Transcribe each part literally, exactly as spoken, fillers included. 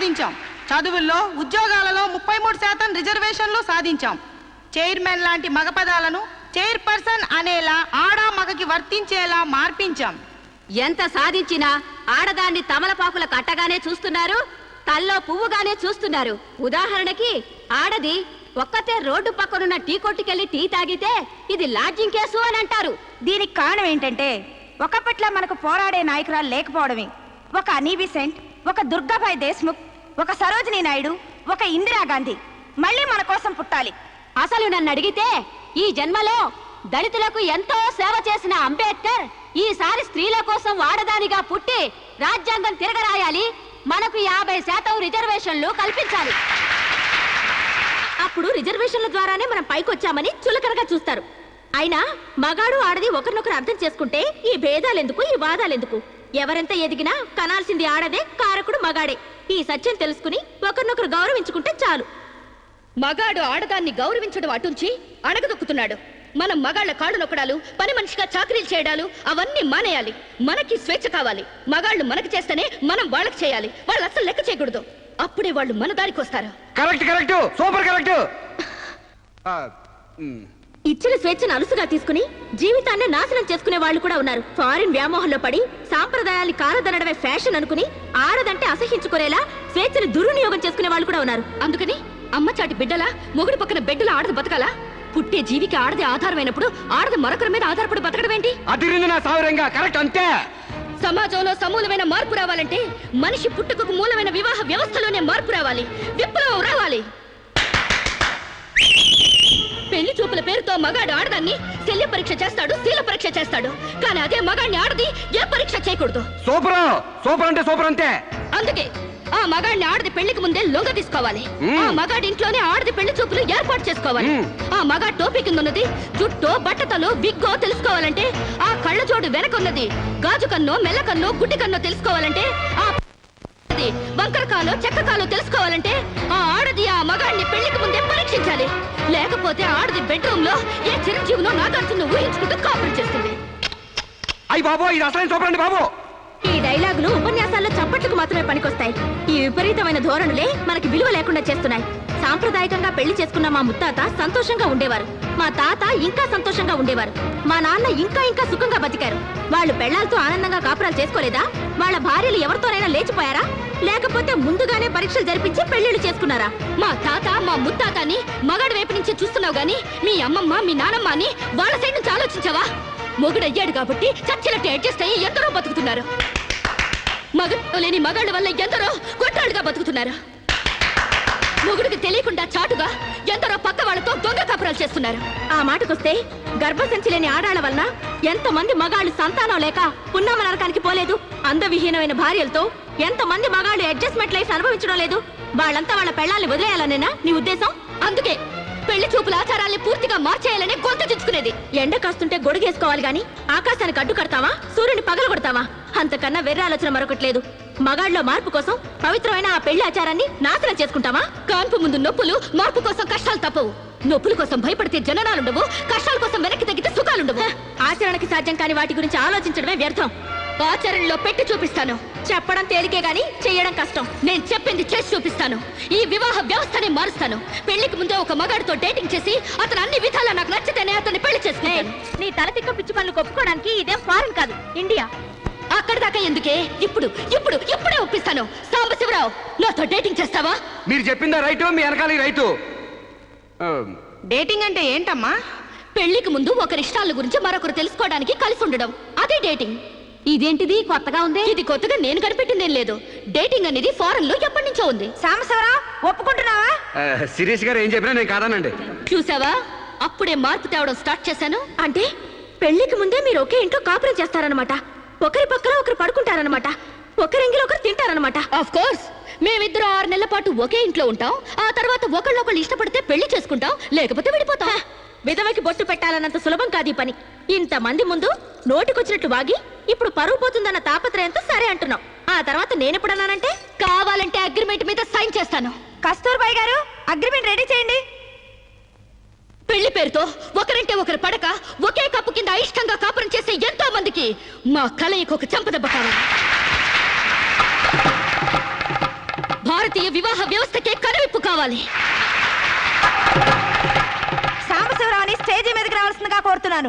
సాధించాం. చదువుల్లో ఉద్యోగాలలో ముప్పై మూడు శాతం రిజర్వేషన్లు సాధించాం. చైర్మన్ లాంటి మగ పదాలను చైర్పర్సన్ అనేలా ఆడా మగకి వర్తించేలా మార్పించాం. ఎంత సాధించినా ఆడదాన్ని తమలపాకుల కట్టగానే చూస్తున్నారు, తల్లో పువ్వుగానే చూస్తున్నారు. ఉదాహరణకి ఆడది ఒక్కతే రోడ్డు పక్కనున్న టీ కొట్టుకెళ్లి టీ తాగితే ఇది లాడ్జింగ్ కేసు అని అంటారు. దీనికి కారణం ఏంటంటే ఒకప్పట్లా మనకు పోరాడే నాయకురాలు లేకపోవడమే. ఒక అనీ బిసెంట్, ఒక దుర్గాబాయ్ దేశ్ముఖ్, ఒక సరోజినీ నాయుడు, ఒక ఇందిరాగాంధీ మళ్ళీ మన కోసం పుట్టాలి. అసలు నన్ను అడిగితే ఈ జన్మలో దళితులకు ఎంతో సేవ చేసిన అంబేద్కర్ ఈసారి స్త్రీల కోసం ఆడదానిగా పుట్టి రాజ్యాంగం తిరగరాయాలి, మనకు యాభై శాతం రిజర్వేషన్లు కల్పించాలి. అప్పుడు రిజర్వేషన్ల ద్వారానే మనం పైకొచ్చామని చులకనగా చూస్తారు. అయినా మగాడు ఆడది ఒకరినొకరు అర్థం చేసుకుంటే ఈ భేదాలెందుకు, ఈ వాదాలెందుకు? ఎవరెంత ఎదిగినా కనాల్సింది ఆడదే, కారకుడు మగాడే. ఈ సత్యం తెలుసుకుని ఒకరినొకరు గౌరవించుకుంటే చాలు. మగాడు ఆడదాన్ని గౌరవించడం అటుంచి అణగదొక్కుతున్నాడు. మనం మగాళ్ల కాళ్ళు నొక్కడాలు, పని మనిషిగా చాకరీలు చేయడాలు అవన్నీ మానేయాలి. మనకి స్వేచ్ఛ కావాలి. మగాళ్ళు మనకి చేస్తేనే మనం వాళ్ళకి చేయాలి. వాళ్ళు అసలు లెక్క చేయకూడదు. అప్పుడే వాళ్ళు మన దారికి వస్తారు. Correct correct super correct. ఇచ్చిన స్వేచ్ఛను అలుసుగా తీసుకుని జీవితాన్ని నాశనం చేసుకునే వాళ్ళు కూడా ఉన్నారు. ఫారిన్ వ్యామోహంలో పడి సాంప్రదాయాన్ని కాలదనడమే ఫ్యాషన్ అనుకుని ఆడదంటే అసహించుకునేలా స్వేచ్ఛను దుర్వినియోగం చేసుకునే వాళ్ళు కూడా ఉన్నారు. అందుకని అమ్మ చాటి బిడ్డలా మొగుడు పక్కన బిడ్డల ఆడది బతకాలా? పుట్టే జీవికి ఆడది ఆధారమైనప్పుడు ఆడది మరొకరి మీద ఆధారపడి బతకడం ఏంటి? అదిరింది నా సావరంగా కరెక్ట్ అంతే. సమాజంలో సమూలమైన మార్పు రావాలంటే మనిషి పుట్టుకకు మూలమైన వివాహ వ్యవస్థలోనే మార్పు రావాలి, విప్లవం రావాలి. పెళ్లి చూపుల పేరుతో మగాడు ఆడదాన్ని శల్య పరీక్ష చేస్తాడు, శీల పరీక్ష చేస్తాడు. కానీ అదే మగాడిని ఆడది ఏ పరీక్ష చేయకూడదు. సూపర్ సూపర్ అంటే సూపర్ అంతే. అందుకే ఆ మగాడిని ఆడది పెళ్లికి ముందే లొంగ తీసుకోవాలి. ఆ మగాడి ఇంట్లోనే ఆడది పెళ్లి చూపులు ఏర్పాటు చేసుకోవాలి. ఆ మగాడి టోపీ కింద ఉన్నది జుట్టో, బట్టతలో, విగ్గో తెలుసుకోవాలంటే, ఆ కళ్ళ జోడు వెనకున్నది గాజు కన్నో, మెల్ల కన్నో, గుడ్డి కన్నో తెలుసుకోవాలంటే, ఆ వంకరకాలో, చెక్కకాలో తెలుసుకోవాలంటే ఆ ఆడది ఆ మగాడిని పెళ్లికి ముందే పరీక్షించాలి. లేకపోతే ఆడది బెడ్రూమ్ లో ఏ చిరంజీవినో నాగార్జున ఊహించుకుంటూ కాపురం చేస్తుంది. అయ్యి బాబో, ఇది అసలు సూపర్ అండి బాబు. ఈ డైలాగులు ఉపన్యాసాల్లో చప్పట్లకు మాత్రమే పనికొస్తాయి. ఈ విపరీతమైన ధోరణులే మనకి విలువ లేకుండా చేస్తున్నాయి. సాంప్రదాయకంగా పెళ్లి చేసుకున్న మా ముత్తాత సంతోషంగా ఉండేవారు. మా తాత ఇంకా సంతోషంగా ఉండేవారు. మా నాన్న ఇంకా ఇంకా సుఖంగా బతికారు. వాళ్ళు పెళ్లాలతో ఆనందంగా కాపురాలు చేసుకోలేదా? వాళ్ళ భార్యలు ఎవరితోనైనా లేచిపోయారా? లేకపోతే ముందుగానే పరీక్షలు జరిపించి పెళ్లిళ్లు చేసుకున్నారా? మా తాత, మా ముత్తాతని మగాడి వైపు నుంచి చూస్తున్నావు గాని మీ అమ్మమ్మ, మీ నానమ్మ అని వాళ్ళ సైడ్ నుంచి ఆలోచించావా? మొగుడయ్యాడు కాబట్టి చచ్చినట్టు అడ్జస్ట్ అయ్యి ఎందరో బతుకుతున్నారు. మగ లేని మగాళ్ళ వల్ల ఎందరో కొట్టాళ్ళుగా బతుకుతున్నారు. మొగుడికి తెలియకుండా చాటుగా ఎందరో పక్క వాళ్ళతో దొంగ కాపురాలు చేస్తున్నారు. ఆ మాటకొస్తే గర్భసంచి లేని ఆడాళ్ల వలన ఎంతమంది మగాళ్ళు సంతానం లేక పున్నామ నరకానికి పోలేదు? అందవిహీనమైన భార్యలతో ఎంతమంది మగాళ్ళు అడ్జస్ట్మెంట్ లైఫ్ అనుభవించడం లేదు? వాళ్ళంతా వాళ్ళ పెళ్లాల్ని వదిలేయాలనేనా నీ ఉద్దేశం? అందుకే పెళ్లి చూపుల ఆచారాల్ని పూర్తిగా మార్చేయాలని గొంతు చుచ్చుకునేది. ఎండ కాస్తుంటే గొడుగేసుకోవాలి గాని ఆకాశానికి అడ్డు కడతావా? సూర్యుని పగలు కొడతావా? అంతకన్నా వెర్ర ఆలోచన మరొకట్లేదు. మగాళ్ళలో మార్పు కోసం పవిత్రమైన ఆ పెళ్లి ఆచారాన్ని నాశనం చేసుకుంటావా? కాన్పు ముందు నొప్పులు, మార్పు కోసం కష్టాలు తప్పవు. నొప్పుల కోసం భయపడితే జననాలుండవు, కష్టాల కోసం వెనక్కి తగ్గితే సుఖాలుండవు. ఆచరణకి సాధ్యం కాని వాటి గురించి ఆలోచించడమే వ్యర్థం. ఆచరణలో పెట్టి చూపిస్తాను. చెప్పడం తేలికే గాని చెయ్యడం కష్టం. నేను చెప్పింది చేసి చూపిస్తాను. ఈ వివాహ వ్యవస్థనే మారుస్తాను. పెళ్లికి ముందే ఒక మగాడితో డేటింగ్ చేసి అతను అన్ని విధాలా నాకు నచ్చితేనే అతన్ని పెళ్లి చేసుకుంటాను. నీ తలతిక్క పిచ్చి పనులు ఒప్పుకోవడానికి ఇదేం ఫారెన్ కాదు, ఇండియా. అక్కడి దాకా ఎందుకే? ఇప్పుడు ఇప్పుడు ఇప్పుడే ఒప్పిస్తాను. సాంబశివరావు, నాతో డేటింగ్ చేస్తావా? మీరు చెప్పిందా రైటు, మీ వెనకాల రైతు. డేటింగ్ అంటే ఏంటమ్మా? పెళ్లికి ముందు ఒకరి ఇష్టాల గురించి మరొకరు తెలుసుకోవడానికి కలిసి ఉండడం, అదే డేటింగ్. ఇదేంటిది కొత్తగా ఉంది? ఇది కొత్తగా నేను కనిపెట్టిందేం లేదు. డేటింగ్ అనేది ఫారెన్ లో ఎప్పటి నుంచో ఉంది. సాంబశివరావు, ఒప్పుకుంటున్నావా? శిరీష్ గారు ఏం చెప్పినా నేను కాదానండి. చూసావా, అప్పుడే మార్పు తేవడం స్టార్ట్ చేశాను. అంటే పెళ్లికి ముందే మీరు ఒకే ఇంట్లో కాపురం చేస్తారనమాట. ఒకరి పక్కన ఒకరు పడుకుంటారనమాట. ఒకరింగిలో ఒకరు తింటారనమాట. ఆఫ్ కోర్స్, మేమిద్దరం ఆరు నెలల పాటు ఒకే ఇంట్లో ఉంటాం. ఆ తర్వాత ఒకళ్ళొకళ్ళు ఇష్టపడితే పెళ్లి చేసుకుంటాం, లేకపోతే విడిపోతాం. విధవకి బొట్టు పెట్టాలన్నంత సులభం కాదు ఈ పని. ఇంతమంది ముందు నోటికొచ్చినట్టు వాగి ఇప్పుడు పరువు పోతుందన్న తాపత్రయంతో సరే అంటున్నాం. ఆ తర్వాత నేనెప్పుడన్నానంటే కావాలంటే అగ్రిమెంట్ మీద సైన్ చేస్తాను. కస్తూర్బాయ్ గారు, అగ్రిమెంట్ రెడీ చేయండి. పెళ్లి పేరుతో ఒకరంటే ఒకరు పడక ఒకే కప్పు కింద అయిష్టంగా కాపురం చేసే ఎంతో మందికి మా కలయికి ఒక చెంపదెబ్బ కావాలి. భారతీయ రాబోయే వివాహ వ్యవస్థకే కనువిప్పు కావాలి. సాంబశివరావుని స్టేజీ మీదకి రావాల్సిందిగా కోరుతున్నాను.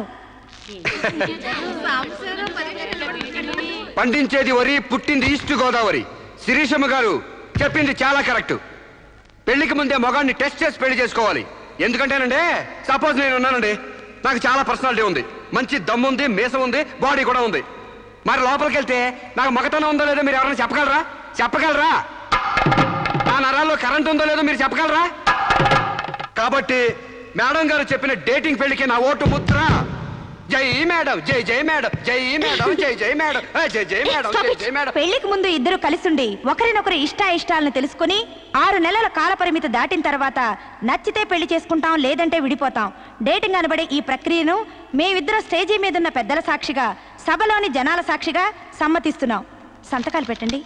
పండించేది వరి, పుట్టింది ఈస్ట్ గోదావరి. శిరీషమ్మ గారు చెప్పింది చాలా కరెక్ట్. పెళ్లికి ముందే మగాన్ని టెస్ట్ చేసి పెళ్లి చేసుకోవాలి. ఎందుకంటేనండి, సపోజ్ నేను ఉన్నానండి, నాకు చాలా పర్సనాలిటీ ఉంది, మంచి దమ్ము ఉంది, మీసం ఉంది, బాడీ కూడా ఉంది. మరి లోపలికి వెళ్తే నాకు మగతనం ఉందో లేదో మీరు ఎవరైనా చెప్పగలరా? చెప్పగలరా? నా నరాల్లో కరెంట్ ఉందో లేదో మీరు చెప్పగలరా? కాబట్టి మేడం గారు చెప్పిన డేటింగ్ పెళ్లికి నా ఓటు ముద్ర. జై మేడం, జై జై మేడం, జై మేడం, జై జై మేడం, జై జై మేడం, జై జై మేడం. పెళ్లికి ముందు ఇద్దరు కలిసుండి ఒకరినొకరు ఇష్ట ఇష్టాలను తెలుసుకుని ఆరు నెలల కాల పరిమితి దాటిన తర్వాత నచ్చితే పెళ్లి చేసుకుంటాం, లేదంటే విడిపోతాం. డేటింగ్ అనబడే ఈ ప్రక్రియను మేమిద్దరం స్టేజీ మీద ఉన్న పెద్దల సాక్షిగా, సభలోని జనాల సాక్షిగా సమ్మతిస్తున్నాం. సంతకాలు పెట్టండి.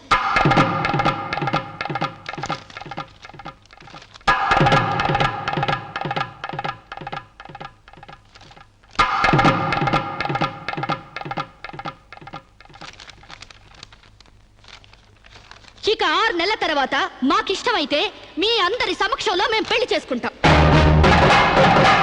ఇక ఆరు నెలల తర్వాత మాకిష్టమైతే మీ అందరి సమక్షంలో మేము పెళ్లి చేసుకుంటాం.